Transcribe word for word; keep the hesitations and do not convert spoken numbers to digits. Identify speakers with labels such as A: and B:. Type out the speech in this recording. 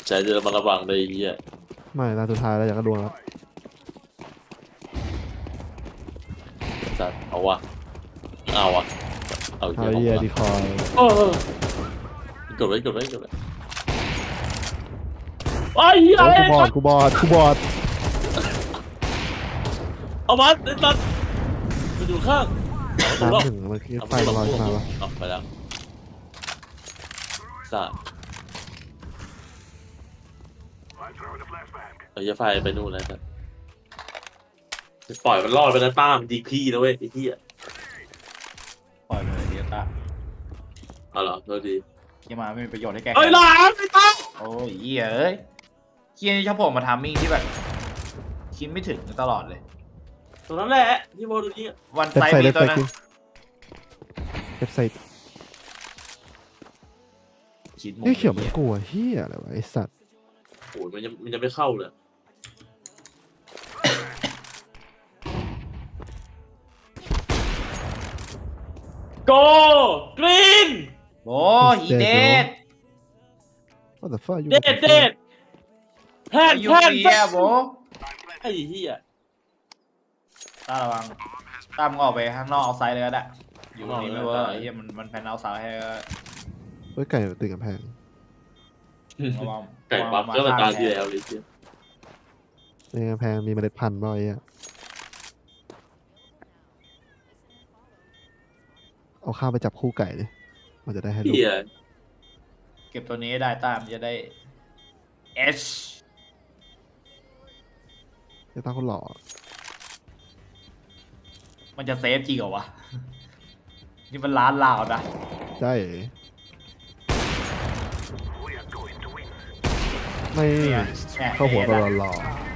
A: ใจจะมาระวังเลยไอ้เหี้ย
B: ไม่ตาสุดท้ายแล้วอยากกระดวงแล้ว
A: จัดเอาวะเอาวะเอา
B: ไอ้
A: เหี้ย
B: เหี้ย
A: เอา
B: ดี
A: วะ
B: คอย
A: เออกดไว้กดไว้กดไว้ไอ้เหี้ย
B: โอ้
A: อะไร
B: กูบอดกูบอดกูบอด
A: เอามันไอ้สัตว์มันอยู่ข้างเอา
B: น้ำถึงมันคือไฟมันลอยขึ้นมาวะ
A: เอาไปแล้วสัตว์เอาจะไฟไปนู่นแล้วสัตว์ปล่อยมันรอดไปนะป้ามดีพี่นะเว้ยไอ้เหี้ย
C: ปล่อยเลยเฮียตา
A: เอาเหรอโทษที
C: เฮียมาไม่มีประโยชน์ให้แก
A: เอ้ยหลานไอ้ตั้ง
C: โอ้ยเฮียเอ้ยเฮียนี่ชอบผมมาทำมิ่งที่แบบคิดไม่ถึงตลอดเลย
A: ตรงนั้นแหละที่โมดูนี่
C: วัน
B: เว็บ
C: ไซ
B: ไซ
C: ต์
B: ต์
C: มี
B: เว็บ
C: ตั
B: ไซ
C: ว
B: ต์
C: นั้น
B: กิน
C: คิดมุม
B: นี่เขียวมันกลัวเฮียอะไรวะไอสัตว์
A: โอ้ยมันยังมันยังไม่เข้าเลยโกกรีน
C: โอ้ยอีเดด
B: ว่าแต่ฟ้าอยู่
A: เด็ดเด็ดแพน
C: ยู
A: แพน
C: เฮียโบ
A: ไอ้เหี้ย
C: ตาระวังตามงออกไปข้างนอกเอาไซด์เลยก็ได้อยู่ตรงนี้ไม่เวิร์กไอ้เฮียมันมันแพนเอาไซด์ให้
B: เฮ้ยไก่ติดกับแพง
C: ระวัง
A: ไก่ปั๊บก็มาตามที่แล้วเลยเหี้ย
B: ในกำแพงมีเมล็ดพันธุ์บ่อยอ่ะเอาข้าวไปจับคู่ไก่ดิมันจะได้ให้ลูก
A: เหี้ย
C: เก็บตัวนี้ได้ตามจะได้เอช
B: จะตั้งคนหล่อ
C: มันจะเซฟจริงเหรอวะนี่มันร้านลาวนะ
B: ใช่ไม่
C: เนี่ยเนี่ย
B: เข้าหัวตลอดหล่อ